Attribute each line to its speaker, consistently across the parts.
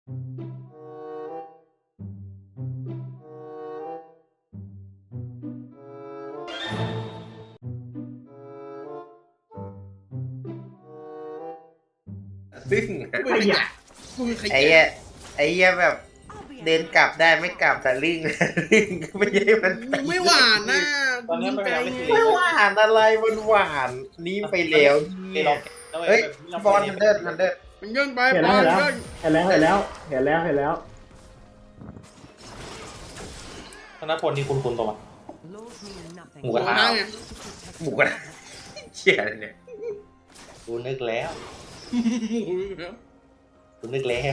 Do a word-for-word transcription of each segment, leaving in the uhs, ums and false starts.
Speaker 1: ซึ่ง
Speaker 2: ขยะ
Speaker 1: ไอ้เหี้ยไอ้เหี้ยแบบเดินกลับได้ไม่กลับแต่ลิงลิงไม่ใช่มัน
Speaker 2: ไม่หวานนะ
Speaker 3: ตอนนี้มันยังไม่ถึง
Speaker 1: ไม่หวานอะไรมันหวานนี่ไปแล้ว
Speaker 3: เฮ้ยลอง
Speaker 1: เฮ้ยบอลมันเดินมันเดิน
Speaker 2: มันเยินไป
Speaker 4: เห็น
Speaker 2: บ
Speaker 4: แล้
Speaker 2: อ
Speaker 4: ว
Speaker 2: ล
Speaker 4: เห็นแล้ว
Speaker 2: เยิน
Speaker 4: เห็นแล้วเห็นแล้วเห็นแล้วเห็นแล้ว
Speaker 3: ธนพลนี่คุณคุณตัวหมูก
Speaker 2: โอ้
Speaker 3: ระทะ
Speaker 2: ได้ไง
Speaker 1: หมูกระทะเชี่ยอะไรเนี่ย
Speaker 3: กูนึกแล้วกูนึกแล้ว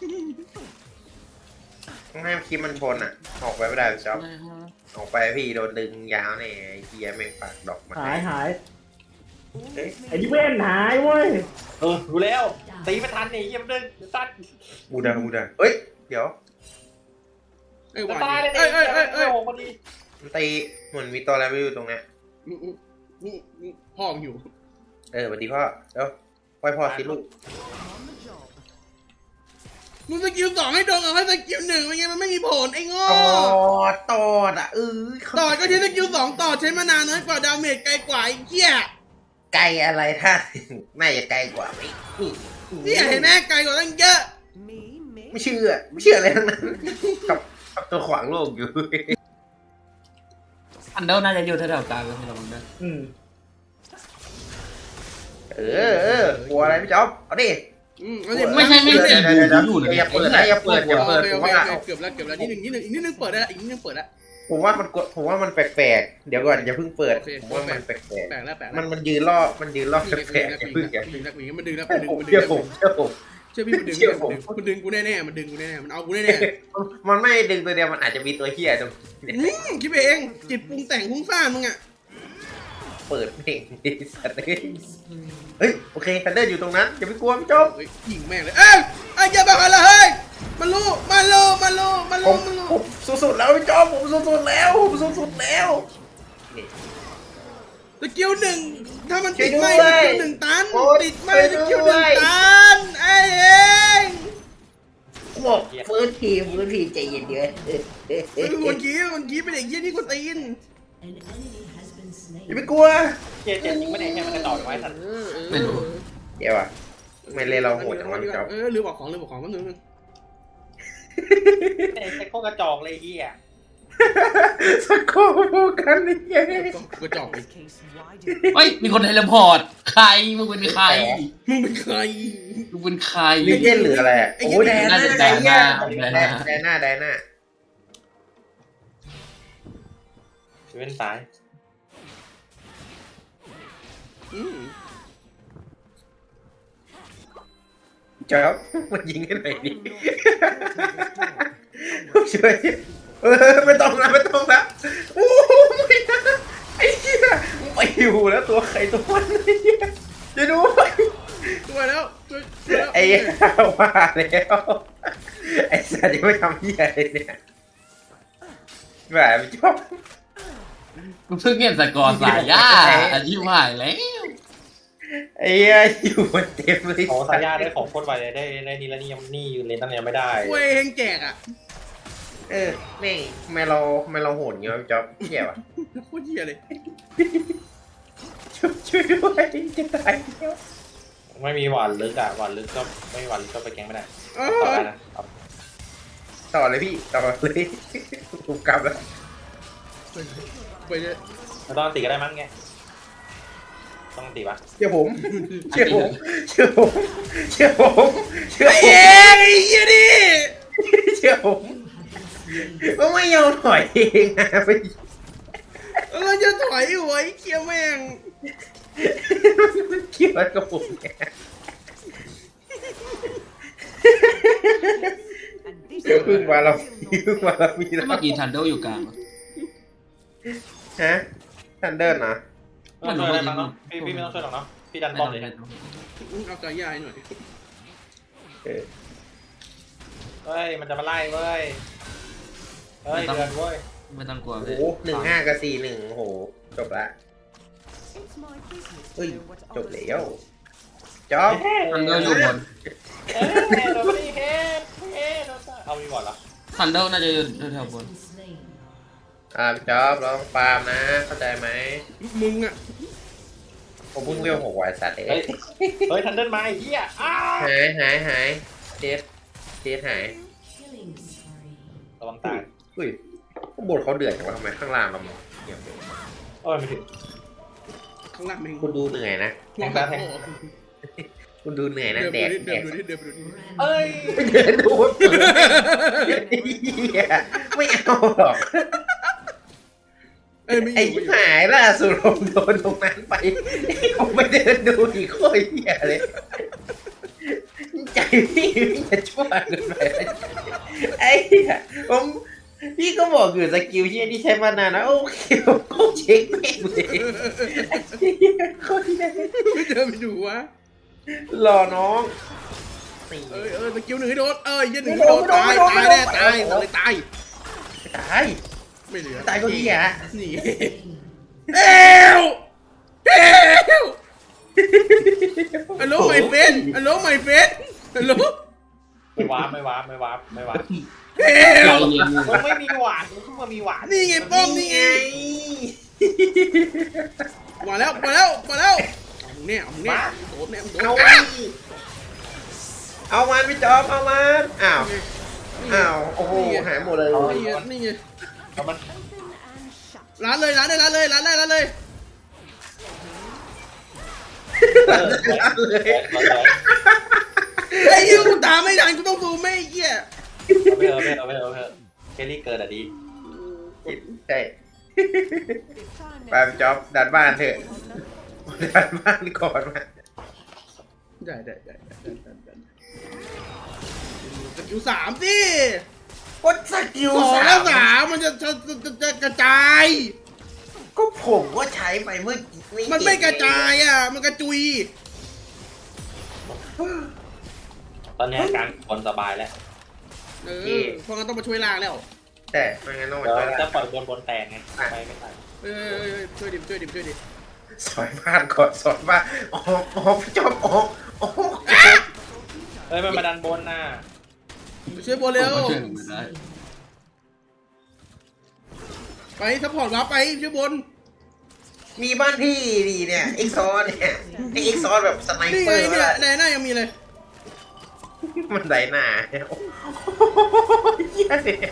Speaker 1: ต้องให้คลิปมันชนอ่ะออกไปไม่ได้พี่จ๊อบออกไปพี่โดนดึงยาวเนี่ยไอ้เฮียแม่งปากดอกมา
Speaker 4: หายหาย
Speaker 1: เฮ้ย
Speaker 4: ไอ้ที่เว้นหายเว้ย
Speaker 3: เออรู้แล้วตีไม่ทันนี่ยังเดินสั้น
Speaker 1: บูดาบูดาเอ้ยเดี๋ยว
Speaker 2: ไอ้หวาน
Speaker 3: ตายเลย
Speaker 2: เอ้ยเอ้ยเอ้ย
Speaker 3: เอ้
Speaker 2: เอ้
Speaker 3: ย
Speaker 2: ย
Speaker 3: โอ้พอดี
Speaker 1: มันตีเหมือนมีตัวอะไรไม่รู้ตรงเนี้ย
Speaker 2: นี่นี่นี่พ่อมึงอยู่
Speaker 1: เออสวัสดีพ่อเดี๋ยวปล่อยพ่อสิลูก
Speaker 2: มึงสกิลสองให้โดนเอาให้สกิลหนึ่งเป็นไงมันไม่มีผลไอ้โง่
Speaker 1: ตอดตอดอ่ะเออ
Speaker 2: ต่อก็ใช้สกิลสองต่อใช้มานานน้อยกว่าดาเมจไกลกว่าไอ้เหี้ย
Speaker 1: ไกลอะไรถ้าน่าจะไกลกว่าอีก
Speaker 2: เนี่ยเห็นไหมไกลกว่าตั้งเยอะ
Speaker 1: ไม่เชื่อไม่เชื่ออะไรทั้งนั้นกับกับตัวขวางโลกอยู่
Speaker 5: อันเดอร์น่าจะอยู่แถวๆกลางแล้วที่เราได้
Speaker 4: อืม
Speaker 1: เออเออกลัวอะไรพี่จ๊อบเอาดิ
Speaker 2: อืมเอาดิ
Speaker 5: ไม่ใช่ไม่
Speaker 1: เดี๋
Speaker 5: ใช่
Speaker 1: ยวเดี๋ยวเดี๋ยวเดี๋ยวอย่าเปิดนะอย่าเปิดอย่า
Speaker 2: โอ
Speaker 1: เปิด
Speaker 2: เค
Speaker 1: ผ
Speaker 2: โอ
Speaker 1: ม
Speaker 2: เค
Speaker 1: ว่า
Speaker 2: โอเคเกือบแล้วเกือบแล้วนิดหนึ่งนิดหนึ่งอีกนิดหนึ่งเปิดได้อีกนิดหนึ่งเปิดแล้ว
Speaker 1: ผมว่ามันกดผมว่ามันแปลกๆเดี๋ยวก่อนอย่าเพิ่งเปิด
Speaker 2: โอเค
Speaker 1: ผมว่ามันแปลก
Speaker 2: แปลกแล้วแปลก
Speaker 1: ๆ
Speaker 2: แล้
Speaker 1: มั
Speaker 2: วน
Speaker 1: มันยืนล่อมันยืนล่อ
Speaker 2: ดึง
Speaker 1: แปลกๆ
Speaker 2: แล้
Speaker 1: อย่าว เพิ่งอย่า
Speaker 2: ดึงแล้วมันดึงแล้วมันดึงมันดึง
Speaker 1: เชื่อผมเชื่อผม
Speaker 2: เชื่อพี่มันดึง
Speaker 1: เชื่อผม
Speaker 2: มันดึงกูแน่ๆมันดึงกูแน่ๆมันเอากูแน่
Speaker 1: มันไม่ดึงตัวเดียวมันอาจจะมีตัวเฮียตรง
Speaker 2: ๆอืมคิดไปเองจิตปรุงแต่งพุ่งซ่านมึงอ่ะ
Speaker 1: เปิดเพลงดิสัตว์เอ้ยเฮ้ยโอเคทันเดอร์อยู่ตรงนั้นอย่าไปกลัวพี่จ๊อบ
Speaker 2: เฮ้ยยิงแม่งเลยเอ้ยไอ้ยอย่าบอกอะไรเฮ้ยมันรู้มันรู้มันรู้มัน
Speaker 1: ผ
Speaker 2: รู้
Speaker 1: ม
Speaker 2: มันรู้
Speaker 1: ผมสุดๆแล้วพี่จ๊อบผมสุดๆแล้วผมสุดๆแล้วนี่
Speaker 2: สกิลหนึ่งถ้ามันติด
Speaker 1: ช่
Speaker 2: ไม่
Speaker 1: วยด้วย
Speaker 2: สกิลหนึ่งตัน
Speaker 1: โอ๊ย
Speaker 2: ติดไม่
Speaker 1: ช่
Speaker 2: ส
Speaker 1: วยด้วย
Speaker 2: กิลหนึ่งตันไอ้เอง
Speaker 1: กูบอกฟื้นทีฟื้นทีใจเย็นเดี๋ยว
Speaker 2: เฮ้ยคนกี้คนกี้เป็นเด็กเยี่ยนี่กูตีน
Speaker 1: อย่าไปกลัว
Speaker 3: เจ็ดเจ็ดยิงไม่ได้แค่มันกระต่อยไว้สัตว์
Speaker 2: เออเออ
Speaker 5: ไม่รู้
Speaker 1: เดี๋ยวอ่ะไม่เล่นเราโหดจังวะพี่จ๊อบ
Speaker 2: เออลืมบอกของลืมบอกของแป๊บนึงนึง
Speaker 3: ไอ้พวกกระจอกเลยเฮีย
Speaker 1: สักข้อพูดกันนี่ไง
Speaker 2: กระจอกไป
Speaker 5: เฮ้ยมีคนเทเลพอร์ตใครมึงเป็นใคร
Speaker 2: มึงเป็นใคร
Speaker 5: มึงเป็นใคร
Speaker 1: ลิเจนหรืออะไรอะ
Speaker 2: ไอ้
Speaker 1: โอ้ย
Speaker 2: เหี้
Speaker 1: แด
Speaker 2: ย
Speaker 1: น่า
Speaker 5: แด
Speaker 1: แด
Speaker 5: น่า
Speaker 1: น่า
Speaker 5: แดน่า
Speaker 1: แดน่าแดน่า
Speaker 3: เว้นซ้าย
Speaker 2: อืม
Speaker 1: จ๊อบมันยิงให้หน่อยดิช่วยเออไม่ต้องนะไม่ต้องนะโอ้ไม่นะไอ้เหี้ยไปอยู่แล้วตัวใครตัวมันไอ้เหี้ยจะดู
Speaker 2: ช่วยแล้วช่วยช่วยแล้ว
Speaker 1: ไอ้เหี้ยว่าแล้วไอ้สัตว์ยังไม่ทำเหี้ยอะไรเนี่ยแบบจ๊อบ
Speaker 5: กูเพิ่งเห็นสกอร์สายย่าอายุหายแล้ว
Speaker 1: ไอ้เหี้ยอยู่บนเต็มเลย
Speaker 3: โอ้สายญาได้ของโคตรไวเลยได้ได้นี่แล้วนี่ยังนี่ยืนเลนตั้งยังไม่ได้
Speaker 2: ช่วยเฮงแจกอ่ะ
Speaker 1: เออแม่งทำไมเราทำไมเราโหดอย่างเงี้ยจ๊อบเหี้ยวะ
Speaker 2: โคตรเหี้ยเลย
Speaker 1: ช่วยช่วยด้วยจะตายแล้ว
Speaker 3: ไม่มีหวานลึกอ่ะหวานลึกก็ไม่มีหวานลึกก็ไปแกงไม่ได้
Speaker 2: เอ
Speaker 3: ต่อ
Speaker 2: อ
Speaker 3: ได้นะ
Speaker 1: ต่อเลยพี่ต่อเลยถูกกลับแล้ว
Speaker 2: ไปเลย
Speaker 3: ไม่ต้องตีก็ได้มั้งไงต้องตีปะ
Speaker 1: เชื่อผมเชื่อผมเชื่อผมเชื่อผมเชื่อ
Speaker 2: ไอ้
Speaker 1: ผม
Speaker 2: เองไอ้เหี้ยดิ
Speaker 1: เชื่อผมก็ไม่ยอมถอยเองนะไป
Speaker 2: เราจะถอยหัวไอ้เคี้ยแม่ง
Speaker 1: มันเกี่ยวกับผมเนี่ยเดี๋ยวพึ่งมาเราพึ่งมาเรามีแล้ว
Speaker 5: เมื่อกี้ทันเดอร์อยู่กลาง
Speaker 1: ฮะทันเดินนะ
Speaker 3: ไม่ต้องช่วยอะไรมั้งเนาะพี่พี่ไม่ต้องช่วยหรอกเนาะพี่ดันบอมเลย
Speaker 2: เอาใจยายหน่อย
Speaker 1: เออ
Speaker 3: เฮ้ยมันจะมาไล่เว้ยเฮ้ยเดือนเว้ย
Speaker 5: ไม่ต้องกลัว
Speaker 1: โอ้โหหนึ่งห้ากับสี่หนึ่งโอ้โหจบละเฮ้ยจบแล้วจอบ
Speaker 5: ทันเดอร์อยู่บน
Speaker 3: เฮ้ยโดนไม่ได้เฮ็ดเฮ็มีก่อนเหรอ
Speaker 5: ทันเดอร์น่าจะอยู่แถวๆบน
Speaker 1: อ่าพี่จ๊อบลองฟาร์มนะเข้าใจไหม
Speaker 2: มึงอ่ะ
Speaker 1: ผมเพิ่งเรียกหกวายสัตว์เอ
Speaker 3: เฮ้ย
Speaker 1: ง
Speaker 3: เฮ้ยทันเดิลมาไอ้เหี้ยอ้าว
Speaker 1: หายหายหายเทสเทสหาย
Speaker 3: ระวังตาย
Speaker 1: อุ้ยข้างบนเขาเดือดจังวะทำไมข้างล่างเราเงียบเลย
Speaker 3: โอ้ยไม่ถึง
Speaker 2: ข้างล่างมึง
Speaker 1: คุณดูเหนื่อยนะ
Speaker 3: แทงตาแทง
Speaker 1: คุณดูเหนื่อยนะ
Speaker 2: เดิน
Speaker 1: แด
Speaker 2: ไป
Speaker 1: ก
Speaker 2: ดิ
Speaker 1: แด
Speaker 2: เดิน
Speaker 1: ก
Speaker 2: ไปดิเดินไปดิ
Speaker 3: เอ้ย
Speaker 1: ไม่เดินดูว่าเปิดเหี้ยไม่เอาหรอก
Speaker 2: เอ้ยไม่อ
Speaker 1: ไอ้
Speaker 2: ยู่ไม่อยู่
Speaker 1: หายล่าสุดผมโดนตรงนั้นไปผมไม่เดินดูอีกโคตรเหี้ยเลยใจพี่พี่จะชั่วเกินไปไอ้เหี้ยผมพี่ก็บอกอยู่สกิลเชี่ยที่ใช้มานานนะโอเคผมก็เช็คแม่งเลยไอ้เหี้ยโคตรเหี้ย
Speaker 2: ไม่เดินไปดูวะ
Speaker 1: รอน้องนี่
Speaker 2: เอ้ยเอ้ยสกิลหนึ่งให้โดนเอ้ยยันหนึ่งให้โดนตายตายแน่ตายเลยตาย
Speaker 1: ตาย
Speaker 2: ไม่เหลือ
Speaker 1: ตายก็เหี้ย
Speaker 2: นี่เอวเอวฮัลโหลไมเฟนฮัลโหลไมเฟนฮัลโหล
Speaker 3: ไม่วาร์ปไม่วาร์ปไม่วาร์ปไม่วาร์ป
Speaker 2: เอ
Speaker 5: ใจ
Speaker 2: ว
Speaker 5: เย็น
Speaker 3: มึงไม่มีหวานมึงเพิ่งมามีหวาน
Speaker 2: นี่ไงป้อมนี่ไงมาแล้วมาแล้วมาแล้วเอามึงเนี่ยเอามึงเนี่ยโดนเนี่ยโดน
Speaker 1: เอา
Speaker 2: อ่ะ
Speaker 1: เอามันพี่จอมเอามันอ้าวอ้าวโอ้โหหายหมดเลย
Speaker 2: นี่ไงนี่ไง
Speaker 3: เอามัน
Speaker 2: ร้านเลยร้านเลยร้านเลยร้านเลยร้านเลย
Speaker 3: เออเลย
Speaker 2: ไอ้ยูกูตามไม่ทันกูต้องดูไม่เหี้ย
Speaker 3: เอาไปเอาไปเอาไปเอาไปแค่นี้เกินอ่ะดี
Speaker 1: ใช่ไปพี่จอมดันบ้านเถอะดันบ้านก่อนมา
Speaker 2: ได้ได้ได้ได้ได้ได้สกิลสามสิ
Speaker 1: กดสกิล
Speaker 2: สอง
Speaker 1: สา
Speaker 2: แล้ว
Speaker 1: ม
Speaker 2: สามมันจะจะจะจะกระจาย
Speaker 1: ก็ผมก็ใช้ไปเมื่อกี้
Speaker 2: มันไม่กระจายอ่ะมันกระจุย
Speaker 3: ตอนนี้การบอลสบายแล้ว
Speaker 2: เออเพราะงั้นต้องมาช่วยล่างแล้ว
Speaker 1: แต่ไม่งั้นต้องมา
Speaker 3: เดี๋ยว
Speaker 1: ช่วย
Speaker 3: จะ
Speaker 1: ละ
Speaker 3: ปล่อยบอลบอลแตกไงไปไม่ทัน
Speaker 2: เออช่วยดิช่วยดิช่วยดิ
Speaker 1: สอยบ้านก่อนสอยบ้านออกออกพี่จอมออกออก
Speaker 3: เฮ้ยมันมาดันบนน่ะ
Speaker 2: ช่วยโบ
Speaker 5: ผม
Speaker 2: เร็ว
Speaker 5: ก็ช่วยผมได้
Speaker 2: ไปซัพพอร์ตวาร์ปไปช่วยบน
Speaker 1: มีบ้านพี่ดีเนี่ยเอ็กซอนเนี่ยไอเอ็กซอนแบบสไน
Speaker 2: นี่
Speaker 1: เป
Speaker 2: ไง
Speaker 1: อร์
Speaker 2: เนี่ย
Speaker 1: อะ
Speaker 2: ในหน้ายังมีเลย
Speaker 1: มันไดหน้าเนี่ยโอ้ยเหี้ยเนี่ย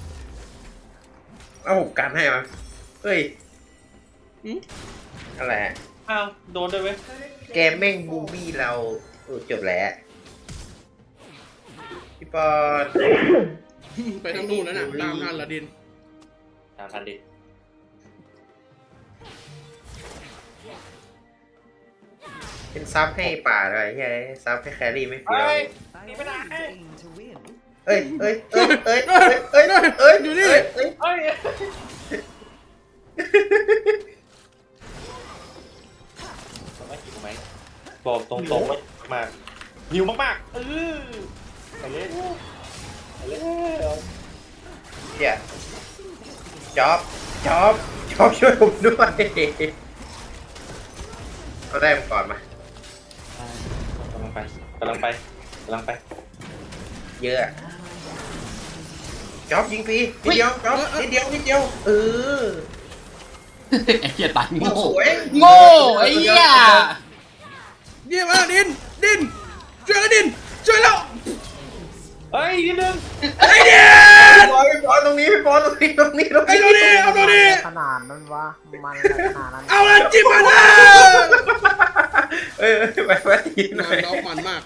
Speaker 1: เอาผมกันให้มาเฮ้ย
Speaker 2: หืม
Speaker 1: อะไรอะ
Speaker 3: อ้าวโดนด้วยเว้ย
Speaker 1: แกแม่งบูบี้เราเออจบแล้วพี่ปอน
Speaker 2: ไปทางนู้นแล้วน่ะตามทันละดิน
Speaker 3: ตามทันดิ
Speaker 1: เป็นซับให้ป่าเลยใช่ไหมซับให้แครี่ไม่เฟี้ยว
Speaker 3: เฮ้ยหนีไปไหน
Speaker 1: เอ้ยเอ้ยเอ้ยเอ้ยเอ้ยเอ้ยเอ้ย
Speaker 2: อยู่นี่
Speaker 1: เอ้ยเอ้ย
Speaker 3: เฮ้ยทำไมหิวไหมบอกตรงๆว่ามากหิวมากๆเออไปเลยไปเลย
Speaker 1: เดี๋ยวจ๊อบจ๊อบจ๊อบช่วยผมด้วยเขาได้มาก่อนมาก
Speaker 3: ำลังไปกำลังไปกำลังไป
Speaker 1: เยอะจ๊อบยิงฟรีนิดเดียวจ๊อบนิดเดียวนิดเดียวเออ
Speaker 5: ไอ้เหี้ยตายโง่
Speaker 1: สวย
Speaker 5: โง่ไอ้เหี้ย
Speaker 2: เยี่ยมมากดินดินช่วยแล้วดินช่วยแล้ว
Speaker 3: เฮ้ยนิดนึง
Speaker 2: ไอ้เดีย
Speaker 1: พี่บอลพี่บอลตรงนี้พี่บอลตรงนี้ตรงนี้ตรง
Speaker 2: ไอ้
Speaker 1: นี้
Speaker 2: ตัวนี้เอาตัวนี้
Speaker 4: ขนาดนั้นวะมันขนาดนั้น
Speaker 2: เอาละจิ้มมันนะ
Speaker 1: เออไปไปทีหน่อย
Speaker 2: น้องมันมาก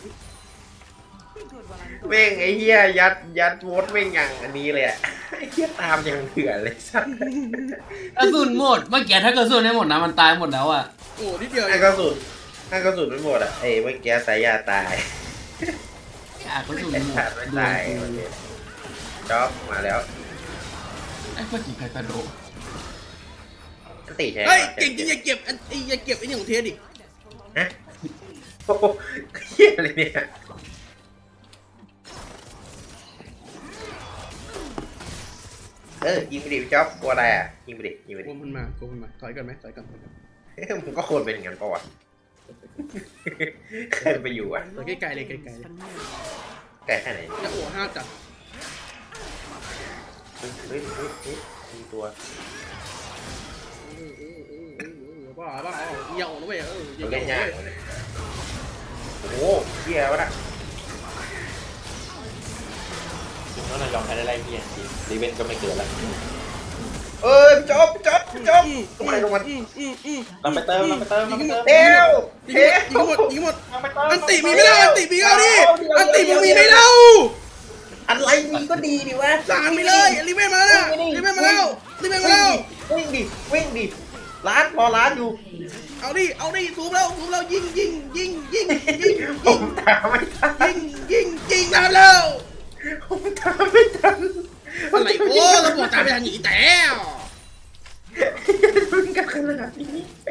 Speaker 1: แม่งไอ้เหี้ยยัดยัดโวตแม่งอย่างอันนี้เลยอะไอ้เหี้ยตามอย่างเถื่อนเลยสัส
Speaker 5: กระสุนหมดเมื่อกี้ถ้ากระสุนให้หมดนะมันตายหมดแล้วอ่ะ
Speaker 2: โอ้นิดเดียว
Speaker 1: ถ้ากระสุนถ้ากระสุนไม่หมดอะไอ้เมื่อกี้สายยาตาย
Speaker 5: อ่ะกระสุน
Speaker 1: ไอ้
Speaker 5: หม
Speaker 1: ขา
Speaker 5: ด
Speaker 1: ดไม่
Speaker 5: โด
Speaker 1: ตาย
Speaker 5: นกู
Speaker 1: จ๊อบมาแล้ว
Speaker 5: ไอ้เมื่อกี้ใครกระโดด
Speaker 1: อันติใช่ไหม
Speaker 2: เฮ้ยเก่งจริงอย่าเก็บไอ้อย่าเก็บไอ้นี่ของเทสดิ
Speaker 1: ฮะโอ้โหเหี้ยอะไรเนี่ยเออยิงไปดิจ๊อบกลัวอะไรอ่ะยิงไปดิยิงไป
Speaker 2: โก
Speaker 1: ดิ
Speaker 2: งมันมาโกงมันมาถอยกันไหมถอยกันถอยกัน
Speaker 1: เอ้ยมึงก็ควรเป็นอย่างนั้นปะวะเคยไปอยู่อ่ะ
Speaker 2: ถอยใกล้ๆเลยใกล้ๆเลย
Speaker 1: ไกลแค่ไหน
Speaker 2: จะโอ้ห้าวจัด
Speaker 1: เฮ้ยเฮ้ยเฮ้ยมีตัว
Speaker 2: บ้าบ้าเหี่ยวนะเว้ยเออ
Speaker 1: เราเล่นยากเลยโอ้โหเหี้ยวะน่ะ
Speaker 3: จริงแล้วนายยอมแพ้ได้ไรเพียงจริงรีเวนก็ไม่เกิดแล้ว
Speaker 1: เอ้ยจบจบจบทำไมลงมัน
Speaker 3: เราไปเติมเราไปเติมเราไปเติม
Speaker 1: เอ้ว
Speaker 2: ยิง
Speaker 1: เฮ้ย
Speaker 2: หมดยิงหมด
Speaker 3: เราไปเติม
Speaker 2: อันติมีไม่เล่าอันติมีเอาดิอันติมึงมีไม่เล่า
Speaker 1: อะไรมีก็ดีดิวะ
Speaker 2: สั่งไปเลยรีเวนมาแล้วรีเวนมาแล้วรีเวนมาแล้ว
Speaker 1: วิ่งดิวิ่งดิร้านรอร้านอยู่
Speaker 2: เอาดิเอาดิซูมแล้วซูมแล้วยิงยิงยิงยิงยิง
Speaker 1: ผ
Speaker 2: ยิ
Speaker 1: ม
Speaker 2: ง
Speaker 1: ตามไม่ทัน
Speaker 2: ยิงยิงยิงตามแล้ว
Speaker 1: ผมตามไม่ทัน
Speaker 2: อะไรโอ้เราบอกตามไปทางหนีแต่
Speaker 1: มึงกันขนาดนี้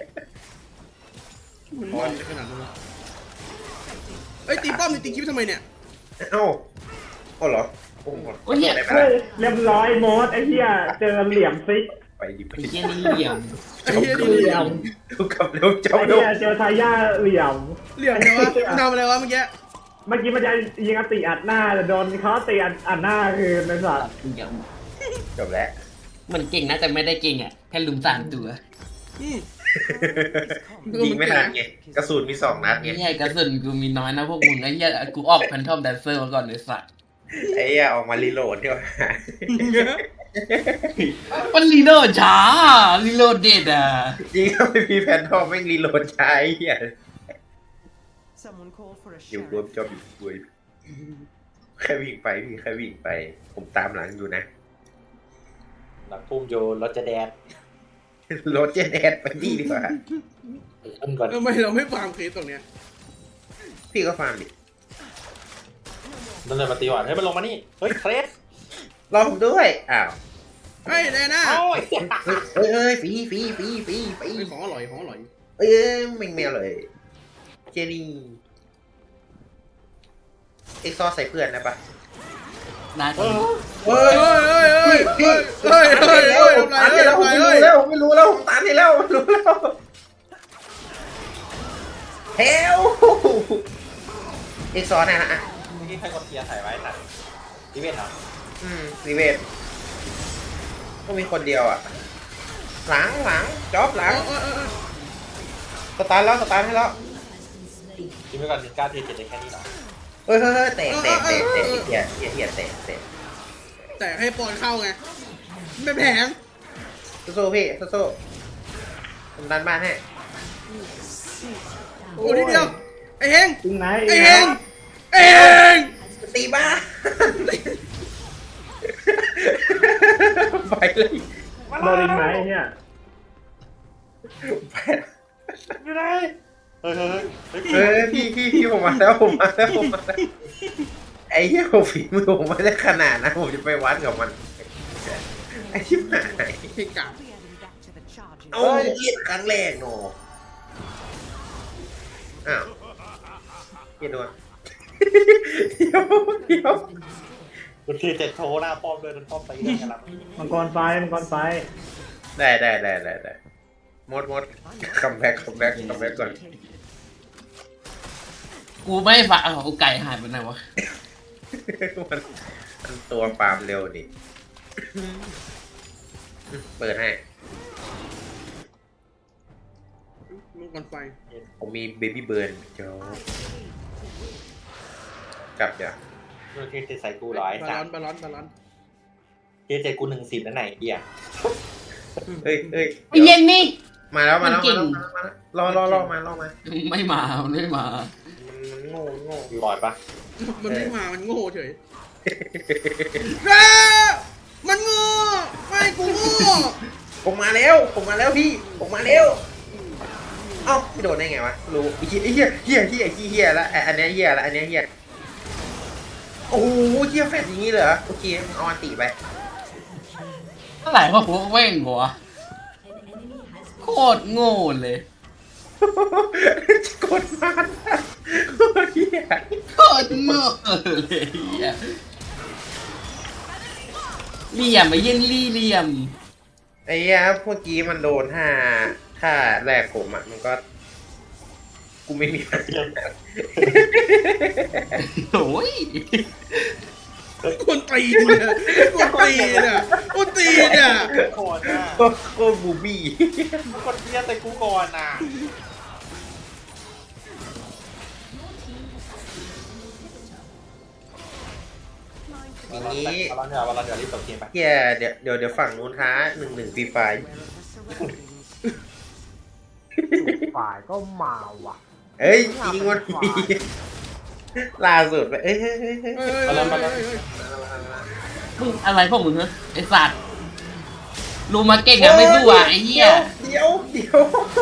Speaker 2: มันมันขนาดนั้นเอ้ยตีป้อมนี่ตีคลิปทำไมเนี่ย
Speaker 1: เอ้าโอ้เหรอโอ้โห
Speaker 5: โอ้ยเหี้ย
Speaker 1: ได้ไหม
Speaker 6: เฮ้
Speaker 1: ล่ะ
Speaker 6: ยเรียบร้อยโมดไอ้เหี้ยเจอเหลี่ยมซิก
Speaker 1: ไปดิไป
Speaker 5: ไอ้
Speaker 1: ดิ
Speaker 5: เหี้ยนี่เหลี่ยม
Speaker 2: ไอ้เหี้ยนี่
Speaker 6: เหลี่ยม
Speaker 1: ดูกับเร็วเจ้า
Speaker 6: ไอ้
Speaker 1: ดู
Speaker 6: เหี้ยเจอทายาเหลี่ยม
Speaker 2: เหลี่ยมไงวะทำอะไรวะเมื่อกี้
Speaker 6: เมื่อกี้มันจะยิงอติอัดหน้าแต่โดนเขาตีอัดอัดหน้าคือในสัตว์
Speaker 5: เหลี่ยม
Speaker 1: จบแล้ว
Speaker 5: มันเก่งนะแต่ไม่ได้เก่งอ่ะแค่ลุมสามตัว
Speaker 2: อืม
Speaker 1: ยิงไม่ทันไงกระสุนมีสองนัดไง
Speaker 5: ไอ้เหี้ยกระสุนกูมีน้อยนะพวกมึงไอ้เหี้ยกูออกแพนทอมแดนเซอร์มาก่อนเลยสัตว์
Speaker 1: ไอ้เหี้ยออกมารีโหลดเที่ยวหา
Speaker 5: มันรีโหลดช้ารีโหลดเด็ดอ่ะ
Speaker 1: ยิงก็ไม่มีแพนทอมไม่รีโหลดใช้เหี้ย
Speaker 7: Someone call for a
Speaker 1: อยู่รวม
Speaker 7: sheriff.
Speaker 1: จอบอยู่คุยแค่วิ่งไปพี่แค่วิ่งไป ผมตามหลังอยู่นะ
Speaker 3: หลังพุ่มโยนรถจะแดด
Speaker 1: รถเจนแอดไปดีดีกว่า
Speaker 3: อันก่อน
Speaker 2: ทำไมเราไม่ฟาร์มเคสตรงเนี้ย
Speaker 1: พี่ก็ฟาร์มดิ
Speaker 3: นั่นเลยมาตีหวานเฮ้ยมันลงมานี่เฮ้ยเครส
Speaker 1: รอผมด้วยอ้าว
Speaker 2: เฮ้ยแน่น่า
Speaker 3: โอ้ย
Speaker 1: เอ้ยเอ้ยฟรีฟรีฟรีฟรีฟรี
Speaker 2: ของอร่อยของอร่อย
Speaker 1: เอ้ยไม่แมวเลยเจนี่เอ็กซอใส่เพื่อนนะปะ
Speaker 5: ได้
Speaker 3: เอ
Speaker 5: ตัว
Speaker 3: อ
Speaker 1: เฮ้
Speaker 2: เฮ้
Speaker 1: ย
Speaker 2: ยเฮ้ยเฮ้ยเฮ้ยเฮ้ยเฮ้ยเฮ้ยทำไร
Speaker 1: ตาม
Speaker 2: เฮ้
Speaker 1: ให้
Speaker 2: ย
Speaker 1: แล้ว
Speaker 2: ทำ
Speaker 1: ผม
Speaker 2: ไร
Speaker 1: ไม่
Speaker 2: เฮ้
Speaker 1: รู้
Speaker 2: ย
Speaker 1: แล้วผมไม่รู้แล้วผมตามให้แล้วผมรู้แล้วเฮลเอ็กซอนะฮะ
Speaker 3: นี่ใครกดเทียร์ใส่ไว้น่ะรีเวนเหรอ
Speaker 1: อืมรีเวทก็มีคนเดียวอ่ะ หลังหลังจ็อบหลังสตาร์ทแล้วสตาร์ทให้แล้ว
Speaker 3: คิดไปก่อนหนึ่งเก้าเทียร์เจ็ดได้แค่นี้เหรอ
Speaker 1: เฮ้ยเฮ้ยเฮ้ยแตกแตกแตกแตกเหี้ยเหี้ยเหี้ยแตกแตก
Speaker 2: แต่ให้ปอนเข้าไงไม่แผง
Speaker 1: สู้ๆพี่สู้ๆผมดันบ้านให้
Speaker 2: โอ้ทีเดียวไอ้เฮง
Speaker 6: จริงไหม
Speaker 2: ไอ้เฮงไอ้เฮง
Speaker 1: ตีบ้าน ไปเลย
Speaker 6: โดนจริงไหมเนี่ย
Speaker 1: ไป
Speaker 3: อยู่ไหนเฮ้ยเฮ้ยเฮ้ย
Speaker 1: เฮ้ยพี่พี่พี่ผมมาแล้วผมมาแล้วผมมาแล้วไอ้เหี้ยผมฝีมือผมไม่ได้ขนาดนะผมจะไปวัดกับมันไอ้ชิบหาย
Speaker 2: เฮงกา
Speaker 7: We're heading back to the charges.
Speaker 1: เอาเกียดครั้งแรกโนอ้าวเกียดด้วยเดี๋ยวเดี๋ยว
Speaker 3: กดเทียร์เจ็ดโชว์หน้าป้อมด้วยนั่นป้อมไปเรื่องกันละ
Speaker 6: มังกรไฟมังกรไฟ
Speaker 1: ได้ได้ได้ได้ได้หมดหมดคัมแบ็กคัมแบ็กคัมแบ็กก่อน
Speaker 5: กูไม่ฝากเอาไก่หายไปไหนวะ
Speaker 1: มันมันตัวฟาร์มเร็วดิเปิดให้
Speaker 2: มังกรไฟ
Speaker 1: ผมมีเบบี้เบิร์นโจ้กลับจ้ะ
Speaker 3: เทียร์เจ็ดใส่กูร้อย
Speaker 2: บา
Speaker 3: สา
Speaker 2: ลอ
Speaker 3: ม
Speaker 2: นบาลอนบาลอน
Speaker 3: เทียร์เจ็ดกูหนึ่งสิบนั่นไหนเฮีย
Speaker 1: เอ้ยเอ้ย
Speaker 5: ไอ้เย็นนี่
Speaker 1: มาแล้วมาแล้ว
Speaker 5: มันเก่
Speaker 1: มาง แล้วมาแล้วรอรอรอมารอมา
Speaker 5: ไม่มามันไม่มา
Speaker 1: มันโง่โง่
Speaker 3: อยู่บอดปะ
Speaker 2: มันไม่มามันโง่เฉยเอ้ยมันโง่ไม่กูโง่
Speaker 1: ผมมาแล้วผมมาแล้วพี่ผมมาแล้วเอ้าไม่โดนได้ไงวะรู้ไอ้เหี้ยเหี้ยเหี้ยเหี้ยเหี้ยแล้วอันนี้เหี้ยแล้วอันนี้เหี้ยโอ้โหเหี้ยแฟดอย่างนี้เลยเหรอโอเคเอาอันติไป
Speaker 5: เท่าไหร่วะหัวเว้งหัวโคตรโง่เลย
Speaker 1: กดมันโคตรเหี้ย
Speaker 5: โคตรโง่เลยเหี้ยเหลี่ยมไอ้เย็นลี่เหลี่ยม
Speaker 1: ไอ้เหี้ยเมื่อกี้มันโดนท่าท่าแรกผมอ่ะมันก็กูไม่มีปัญญา
Speaker 5: โอ้ย
Speaker 2: คนตีนเนี่ยคนตีนเนี่ยคนตีนเนี่ย
Speaker 3: ก่อนน่ะ
Speaker 1: โคตรบูบี้
Speaker 3: คนเพี้ยแต่กูก่อนน่ะ
Speaker 1: อย่างนี้
Speaker 3: วันละเดี๋ยววันละเดี๋ยวรีบจบเกมไป
Speaker 1: เฮียเดี๋ยวเดี๋ยวเดี๋ยวฝั่งนู้นท้าหนึ่งหนึ่งฟรีไฟ
Speaker 4: ฝ่ายก็มาว่ะ
Speaker 1: เอ้ยยิงมันมีล่าสุดไปเอ้ยเฮ้ยเฮ้ยเฮ้ย
Speaker 2: เฮ้ยเฮ้ยเฮ้ยเฮ้ย
Speaker 5: มึงอะไรพวกมึงเหรอไอสัตว์รูมาเก่งอะไม่สู้อ่ะไอ้เหี้ย
Speaker 1: เดี๋ยวเดี๋ยว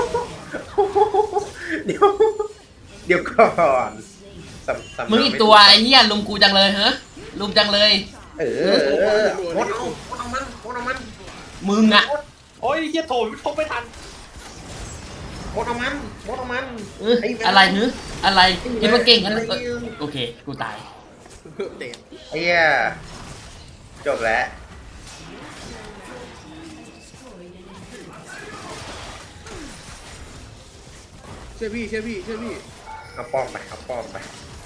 Speaker 1: เดี๋ยวเดี๋ยวก่อนสำสำ
Speaker 5: มึงอีกตัวไอ้เหี้ยลุมกูจังเลยเหรอลุมจังเลย
Speaker 1: เออเออมดเอามดเอามันมดเอามัน
Speaker 5: มึงอะ
Speaker 3: โอ้ยเฮียโถทบไม่ทัน
Speaker 1: มดเอามันมดเอามัน
Speaker 5: เอออะไรเหรออะไรคิดว่าเก่งกันเออโอเคกูตาย
Speaker 2: เตะ
Speaker 1: ไอ้เหี้ยจบแล้ว
Speaker 2: เชื่อพี่เชื่อพี่เชื่อพี่
Speaker 1: เอาป้อมไปเอาป้อมไป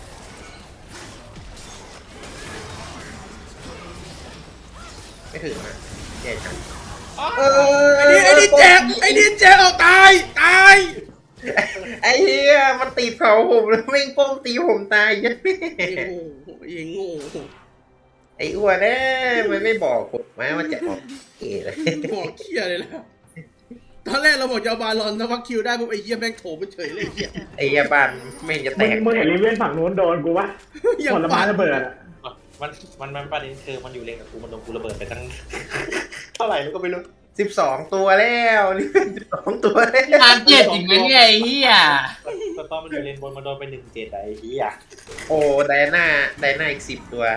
Speaker 1: ไม่ถึงนะแย่จัง
Speaker 2: ไอ้นี่ไอ้นี่แจกไอ้นี่แจกเอาตายตาย
Speaker 1: ไอ้เหี้ยมันตีเผาผมแล้วแม่งป้อมตีผมตายยัดแม่
Speaker 2: ไอ้โง่ไอ้โง่
Speaker 1: ไอ้อ้วนเอ้ยมันไม่บอกผมมาว่าจะออกเอ๋เลย
Speaker 2: บอกเคียเลยล่ะตอนแรกเราบอกจะเอาบาลอนนะวักคิวได้ปุ๊บไอ้เหี้ยแม่งโถไปเฉยเลยไอ้เหี้ย
Speaker 1: ไอ้เหี้ยบ้านแม่งจะแต
Speaker 6: มึง
Speaker 1: ก
Speaker 6: มึงเห็นลิเวนฝั่งนู้นโดนกูปะผลไม้ระเบิดอะ
Speaker 3: มันมันมันประเด็นคือมันอยู่เลนกับกูมันโดนกูระเบิดไปตั้ง เท่าไหร่แล้วก็ไม่รู้
Speaker 1: สิบสองตัวแล้วนี่เป็นสิบสองตัวแล้ว
Speaker 5: งานเจ็ดจริงไหมเนี่ยไอ้เหี้ย
Speaker 3: แต่ตอนมันอยู่เลนบนมันโดนไปหนึ่งเจ็ดไอ้เหี้ย
Speaker 1: โอ้ไดอาน่าไดอาน่าอีกสิบตัว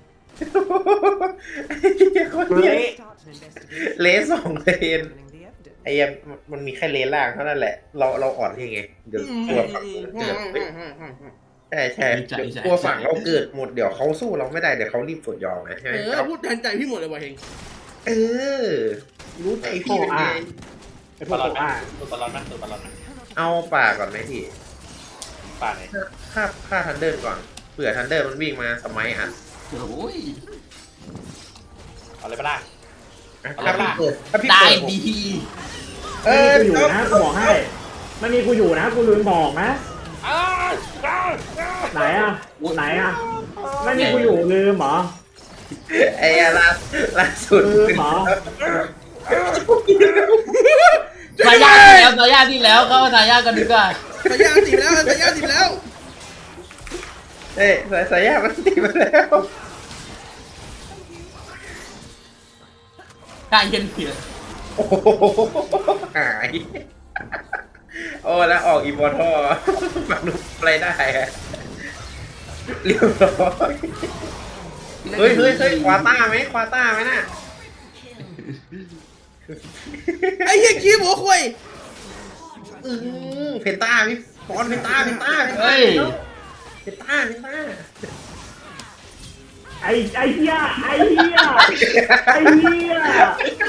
Speaker 1: ไอ้เหี้ยคนเนี้ย
Speaker 7: Start an investigation.
Speaker 1: เลสสองเลน
Speaker 7: Examining the evidence.
Speaker 1: ไอ้เหี้ยมันมีแค่เลนล่างเท่านั้นแหละ เราเราอ่อนยังไงเดี๋ยวกลัวฝั่งเกิดใช่ใช่เดี๋ยวกลัวฝั่งเราเกิดหมดเดี๋ยวเขาสู้เราไม่ได้เดี๋ยวเขารีบกดยอมนะใช่ไหม
Speaker 2: เออพูดแทนใจพี่หมดเลยว่ะเฮง
Speaker 1: เออ รู้ใจพี่เป็นไง
Speaker 6: ไอ้พ
Speaker 3: บ
Speaker 6: ว
Speaker 3: อก ลลอน
Speaker 6: ตัวอ่ะ
Speaker 3: ตัวบอลลอนนะตัวบอลลอนนะ
Speaker 1: เอาป่าก่อนไหมพี่
Speaker 3: ป่าไหน
Speaker 1: ฆ่าฆ่าทันเดอร์ก่อนเผื่อทันเดอร์มันวิ่งมาสมัยอ่ะ
Speaker 5: โอ้ย
Speaker 3: เอาเลยปะล่ะ
Speaker 1: ถ้าพี่เปิดถ้าพี่
Speaker 5: ตา
Speaker 1: เปิ
Speaker 5: ย
Speaker 1: ดผม
Speaker 5: ดี
Speaker 1: เอ
Speaker 6: ไม่มี
Speaker 1: อ
Speaker 6: กูอยู่นะกูบอกให้ไม่มีกูอยู่นะกูลืมบอกนะ
Speaker 3: อ้าวอ้าวอ้าว
Speaker 6: ไหนอ่ะไหนอ่ะไม่มีกูอยู่ลืมเหรอ
Speaker 1: ไอ้ล่าล่าสุด
Speaker 6: ลืมเหรอ
Speaker 5: สายญาติแล้วสายญาติแล้วเข้าสายญาติกันดีกว่า
Speaker 2: สายยางติดแล้วสายยางติดแล้ว
Speaker 1: เอ้ยสายสายยามันตีมาแล้ว
Speaker 5: กายเย็นเถื่อน
Speaker 1: โอ้โหหายโอ้แล้วออกอีบอทอฝั่งนู้นอะไรได้อะเรียบร้อยเฮ้ยเฮ้ยเฮ้ยควาต้าไหมควาต้าไหมน่ะ
Speaker 2: ไอ้เหี้ยขี้หัวควาย
Speaker 1: อือเพนต้าพี่ฟอนเพนต้าเพนต้าเพนต้า
Speaker 5: เฮ้ย
Speaker 1: เพนต้าเพนต้า
Speaker 6: ไอ้ไอ้เหี้ยไอ้เหี้ยไอ้เหี้ย